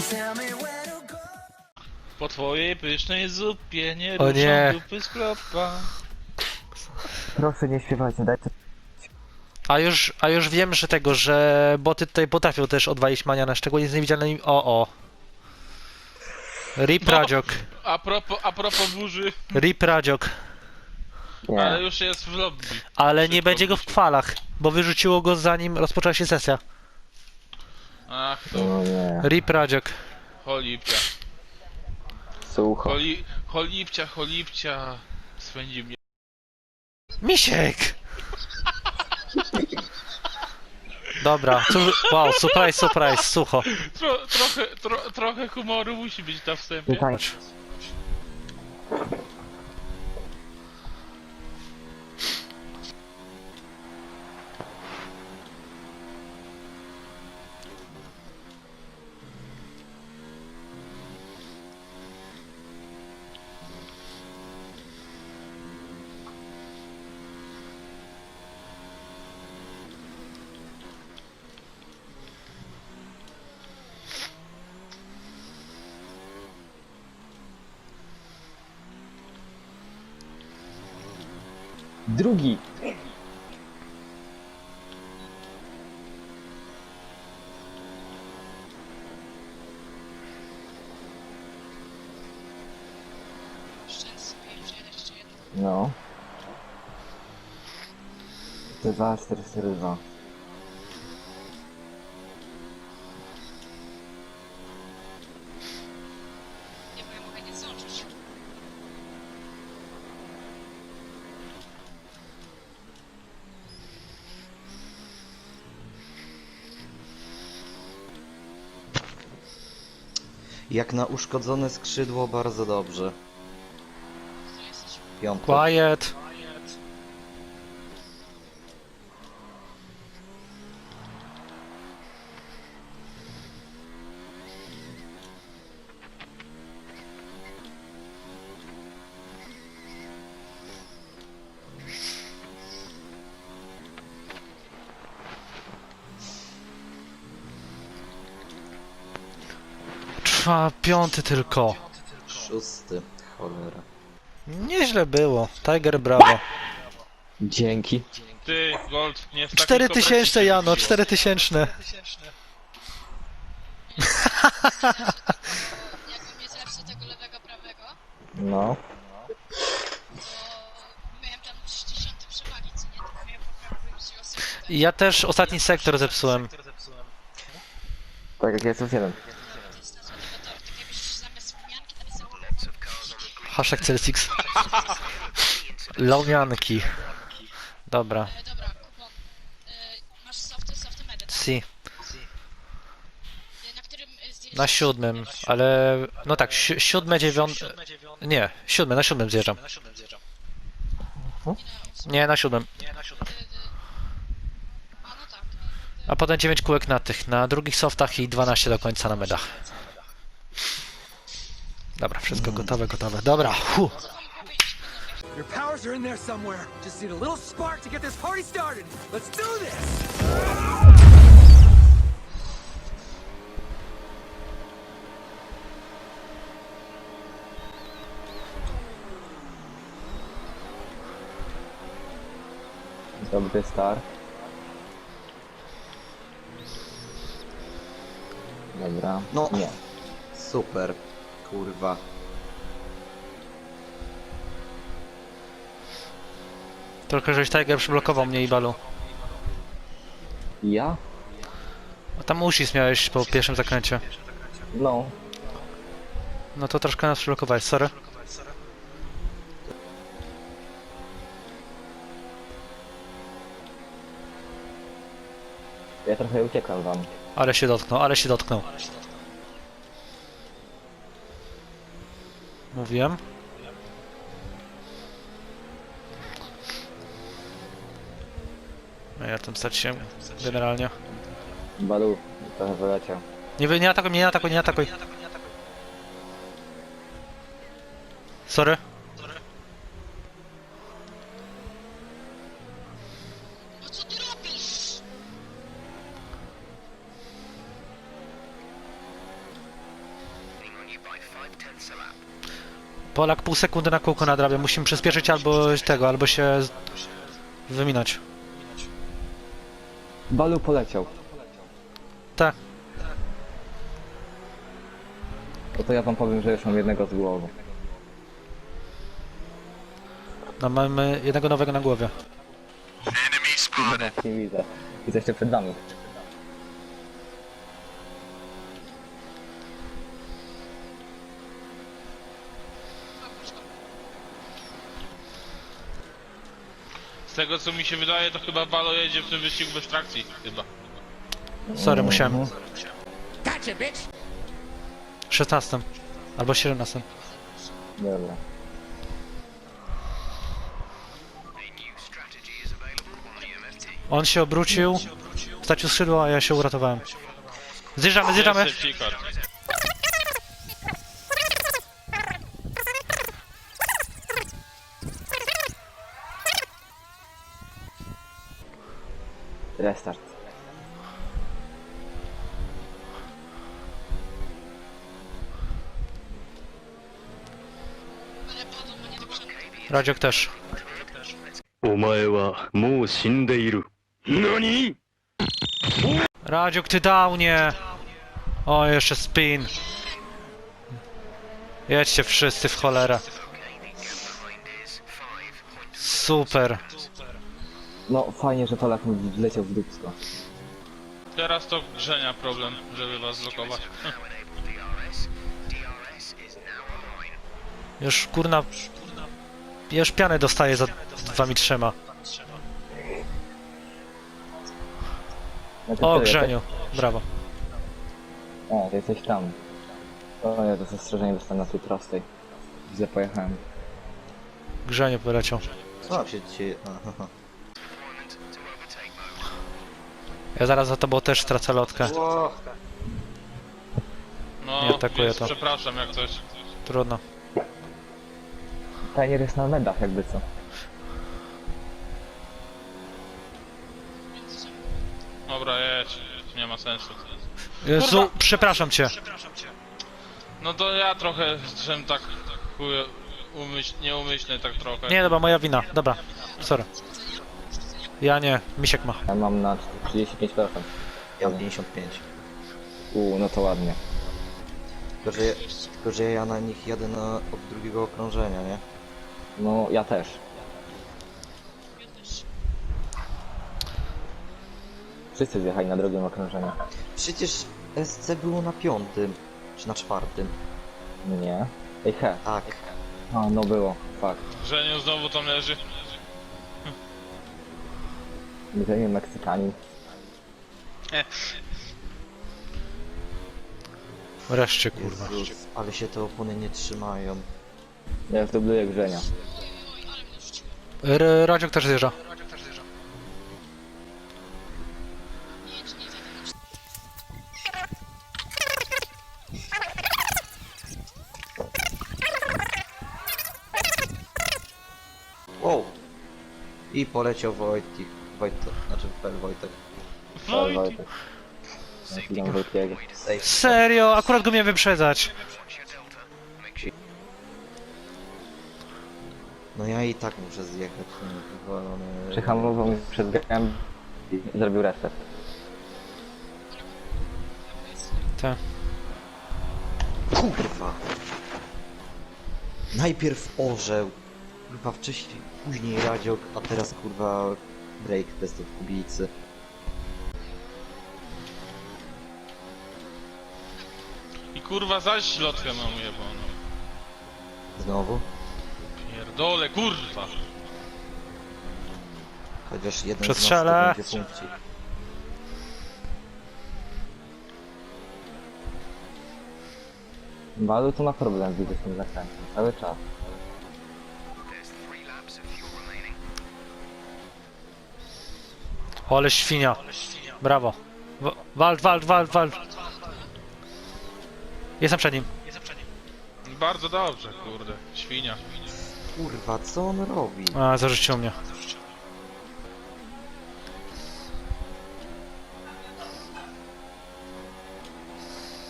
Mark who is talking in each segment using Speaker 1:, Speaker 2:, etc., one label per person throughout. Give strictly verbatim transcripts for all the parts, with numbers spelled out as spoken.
Speaker 1: Po twojej pysznej zupie nie
Speaker 2: O
Speaker 1: ruszam
Speaker 2: nie.
Speaker 1: dupy z klopka.
Speaker 3: Proszę nie śpiewajcie, dajcie.
Speaker 2: A już, a już wiem, że tego, że boty tutaj potrafią też odwalić maniana, szczególnie z niewidzialnymi... O, o. Rip
Speaker 1: No.
Speaker 2: Radziok.
Speaker 1: A propos, a propos burzy,
Speaker 2: Rip Radziok.
Speaker 3: Nie.
Speaker 1: ale już jest w lobby.
Speaker 2: Ale
Speaker 1: Szybko
Speaker 2: nie będzie go w
Speaker 1: wrócił.
Speaker 2: kwalach, bo wyrzuciło go zanim rozpoczęła się sesja.
Speaker 1: Ach to,
Speaker 3: No nie.
Speaker 2: Rip Radziok.
Speaker 1: cholipcia.
Speaker 3: Sucho.
Speaker 1: Choli, cholipcia, cholipcia. Swędzi mnie.
Speaker 2: Misiek! Dobra, cóż, wow, surprise, surprise, sucho.
Speaker 1: Tro, trochę, tro, trochę humoru musi być na wstępie.
Speaker 3: Nie tańcz. Drugi. No. dwa, cztery, cztery, dwa.
Speaker 4: Nie, bo ja mogę nie zdążyć.
Speaker 5: Jak na uszkodzone skrzydło bardzo dobrze.
Speaker 4: Tu jesteś.
Speaker 5: Piątek.
Speaker 2: Quiet. Trwa piąty tylko.
Speaker 5: Szósty. Cholera.
Speaker 2: Nieźle było. Tiger brawo.
Speaker 3: Dzięki.
Speaker 1: Ty, Gold, nie w takiej
Speaker 2: Cztery
Speaker 1: kopercie
Speaker 2: tysięczne
Speaker 1: się
Speaker 2: Jano,
Speaker 1: wbiło.
Speaker 2: cztery tysięczne.
Speaker 4: Jakbym nie zepsuł tego lewego, prawego,
Speaker 3: No.
Speaker 4: to miałem tam sześćdziesiąt przewagi, co nie? To miałem poprawę się osób.
Speaker 2: Ja też ostatni sektor zepsułem.
Speaker 3: Tak jak ja co jeden.
Speaker 4: To jest na złotego tortu. Tak jakbyś zamiast wmianki napisał
Speaker 2: Hashtag Celsius. Lomianki. Dobra.
Speaker 4: E, dobra, kupon. E, masz softy, softy medy, tak?
Speaker 2: Si.
Speaker 4: E, na którym e, zdjęciu?
Speaker 2: Na siódmym, ale... No tak, si siódme, dziewiąte... Nie, siódme, na siódmym zjeżdżam. Nie, na siódmym.
Speaker 4: E, e, a no tak.
Speaker 2: A potem dziewięć kółek na tych, na drugich softach i dwanaście do końca na medach. Dobra, wszystko gotowe, gotowe. Dobra, hu.
Speaker 4: Co wam powiedzieć, panowie?
Speaker 6: Your powers are in there somewhere. Just need a little spark to get this party started. Let's do this!
Speaker 3: Dobry start. Dobra.
Speaker 5: No.
Speaker 3: Nie.
Speaker 5: Super. Kurwa.
Speaker 2: Trochę żeś Tiger przyblokował mnie i balu.
Speaker 3: Ja?
Speaker 2: A tam usis miałeś po pierwszym zakręcie.
Speaker 3: No.
Speaker 2: No to troszkę nas przyblokowałeś, sorry.
Speaker 3: Ja trochę uciekam wam.
Speaker 2: Ale się dotknął, ale się dotknął. Mówiłem. No ja tam straciłem generalnie.
Speaker 3: Balu, trochę wyleciał.
Speaker 2: Nie, wy- nie atakuj mnie, nie atakuj, nie atakuj. Sorry.
Speaker 4: No co ty robisz?
Speaker 2: Polak pół sekundy na kółko nadrabia. Musimy przyspieszyć albo tego, albo się z- wyminąć.
Speaker 3: Balu poleciał.
Speaker 2: Tak.
Speaker 3: No to ja wam powiem, że już mam jednego z głowy.
Speaker 2: No mamy jednego nowego na głowie.
Speaker 3: No właśnie widzę. Widzę jeszcze przed nami.
Speaker 1: Z tego co mi się wydaje, to chyba Balo jedzie w tym wyścigu bez trakcji, chyba.
Speaker 2: Sorry, musiałem.
Speaker 3: Mhm.
Speaker 6: Gotcha, bitch!
Speaker 2: szesnastym. Albo siedemnastym.
Speaker 3: Dobra.
Speaker 2: On się obrócił, stracił skrzydło, a ja się uratowałem. Zjeżdżamy, zjeżdżamy!
Speaker 1: Jest safety car.
Speaker 3: Restart.
Speaker 4: Ale padł, bo nie dogrzany.
Speaker 2: Radziok też.
Speaker 7: お前はもう死んでいる。何？
Speaker 2: Radziok, ty downie! O, jeszcze spin. Jedźcie wszyscy w cholerę. Super.
Speaker 3: No fajnie, że Polak mi wleciał w dupsko.
Speaker 1: Teraz to Grzenia problem, żeby was zlokować.
Speaker 2: Już kurna... Ja już pianę dostaję za wami trzema.
Speaker 3: No to
Speaker 2: O,
Speaker 3: tyle,
Speaker 2: Grzeniu. Brawo.
Speaker 3: tak? O, ty jesteś tam. O, ja to zastrzeżenie dostałem na tej prostej. Źle pojechałem.
Speaker 2: Grzeniu poleciał.
Speaker 5: Co tam się dzieje? Aha.
Speaker 2: Ja zaraz za tobą też stracę lotkę.
Speaker 5: Ło,
Speaker 1: No,
Speaker 2: Nie atakuję
Speaker 1: więc
Speaker 2: to.
Speaker 1: przepraszam jak coś.
Speaker 2: Trudno.
Speaker 3: Tajnier jest na medach jakby co.
Speaker 1: Dobra, jedź. Nie ma sensu.
Speaker 2: Jezu,
Speaker 1: Kurwa!
Speaker 2: przepraszam cię.
Speaker 1: No to ja trochę, żem tak chuje, umyśl, nieumyślnie tak trochę.
Speaker 2: Nie, dobra, moja wina. Dobra, sorry. Ja nie, Misiek ma.
Speaker 3: Ja mam na trzydzieści pięć procent.
Speaker 5: ja mam pięćdziesiąt pięć.
Speaker 3: Uuu, no to ładnie.
Speaker 5: Tylko że, tylko, że ja na nich jadę na, od drugiego okrążenia, nie?
Speaker 3: No, ja też.
Speaker 4: Ja też.
Speaker 3: Wszyscy zjechali na drugim okrążeniu.
Speaker 5: Przecież S C było na piątym, czy na czwartym.
Speaker 3: Nie. Ej, he.
Speaker 5: Tak.
Speaker 3: A, no było. Fakt.
Speaker 1: Grzeniu znowu tam leży.
Speaker 3: Grzeniu Meksykanin.
Speaker 2: Wreszcie, kurwa.
Speaker 5: Jezus, ale się te opony nie trzymają.
Speaker 3: Ja zdubluję Grzenia.
Speaker 4: Oj, oj, ale mnie rzuciło.
Speaker 2: R Radziok też zjeżdża.
Speaker 4: Nie jedź, nie jedź.
Speaker 5: Wow! I poleciał Wojtik. Wojtek, znaczy Pel Wojtek.
Speaker 3: Cześć, Wojtek. Ja chwilę Wojtiego.
Speaker 5: Safe.
Speaker 2: Serio? Akurat go miałem wyprzedzać.
Speaker 5: No ja i tak muszę zjechać. ten wywalony-
Speaker 3: Przyhamował mi przed biegiem i zrobił reset.
Speaker 2: Tak.
Speaker 5: Kurwa! Najpierw orzeł, kurwa wcześniej, później radziok, a teraz kurwa break test od kubicy.
Speaker 1: I kurwa zaś lotkę mam jebaną.
Speaker 5: Znowu?
Speaker 1: Pierdole, kurwa.
Speaker 5: Chociaż jeden
Speaker 2: Przestrzelę.
Speaker 5: z nas to będzie punkcik.
Speaker 3: Balu to ma problem, widzę z tym zakrętem. Cały czas.
Speaker 2: Ole świnia. Brawo. W- Walt, walt, walt, walt. Jestem przed nim.
Speaker 1: Bardzo dobrze, kurde. Świnia.
Speaker 5: Kurwa, co on robi?
Speaker 2: A, zarzucił mnie.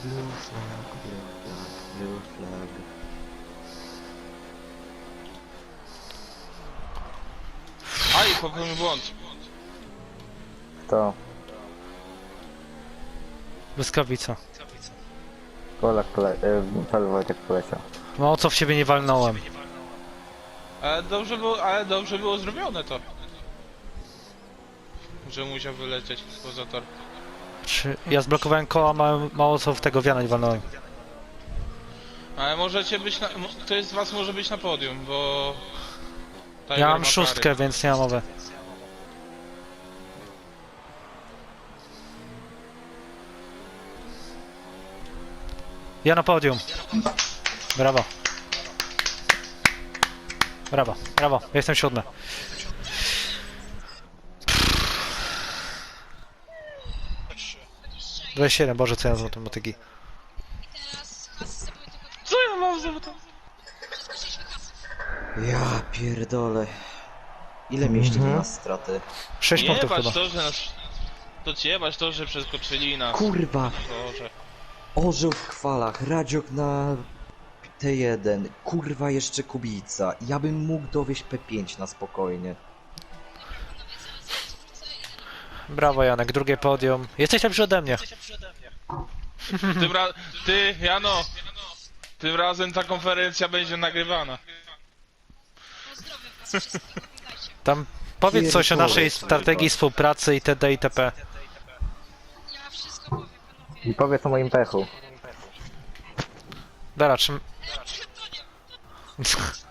Speaker 5: Blue flag, blue flag, blue flag.
Speaker 1: Aj, popełnił błąd.
Speaker 3: To
Speaker 2: Błyskawica.
Speaker 3: Polak pole... y, Paweł Wojtek poleciał.
Speaker 2: No co w ciebie nie walnąłem?
Speaker 1: Ale dobrze było, ale dobrze było zrobione to. Że musiał wylecieć poza tor.
Speaker 2: Czy ja zblokowałem koła, mało, mało co w tego wiana nie walnąłem.
Speaker 1: Ale możecie być na... mo- Ktoś z was może być na podium, bo... Tiger
Speaker 2: Ja
Speaker 1: ma
Speaker 2: mam
Speaker 1: kary.
Speaker 2: szóstkę, więc nie mam mowy. Ja na podium. Brawo. Brawo, brawo. Ja jestem siódmy. dwadzieścia siedem, Boże, co ja z matematyki.
Speaker 4: Teraz hasy były tylko...
Speaker 1: Co ja mam za to?
Speaker 4: Skoczyliśmy hasy.
Speaker 5: Ja pierdolę. Ile mieliście
Speaker 3: Mhm.
Speaker 5: na nas straty?
Speaker 2: sześć punktów
Speaker 1: Jebać
Speaker 2: chyba.
Speaker 1: to, że nas... To jebać to, że przeskoczyli nas.
Speaker 5: Kurwa!
Speaker 1: Boże.
Speaker 5: Orzeł w chwalach, Radziok na T jeden, kurwa jeszcze Kubica. Ja bym mógł dowieść P pięć na spokojnie.
Speaker 2: Brawo Janek, drugie podium. Jesteś lepszy ode mnie.
Speaker 1: Tym ra... Ty, Jano! Tym razem ta konferencja będzie nagrywana.
Speaker 4: Pozdrowiam was wszystkich, oglądajcie.
Speaker 2: Tam powiedz coś o
Speaker 5: Pierdolę,
Speaker 2: naszej
Speaker 5: kurwa.
Speaker 2: strategii współpracy itd. itp.
Speaker 4: Ja wszystko powiem, panowie.
Speaker 3: I powiedz o moim pechu.
Speaker 2: Dobra, czym...
Speaker 4: Ej, to nie...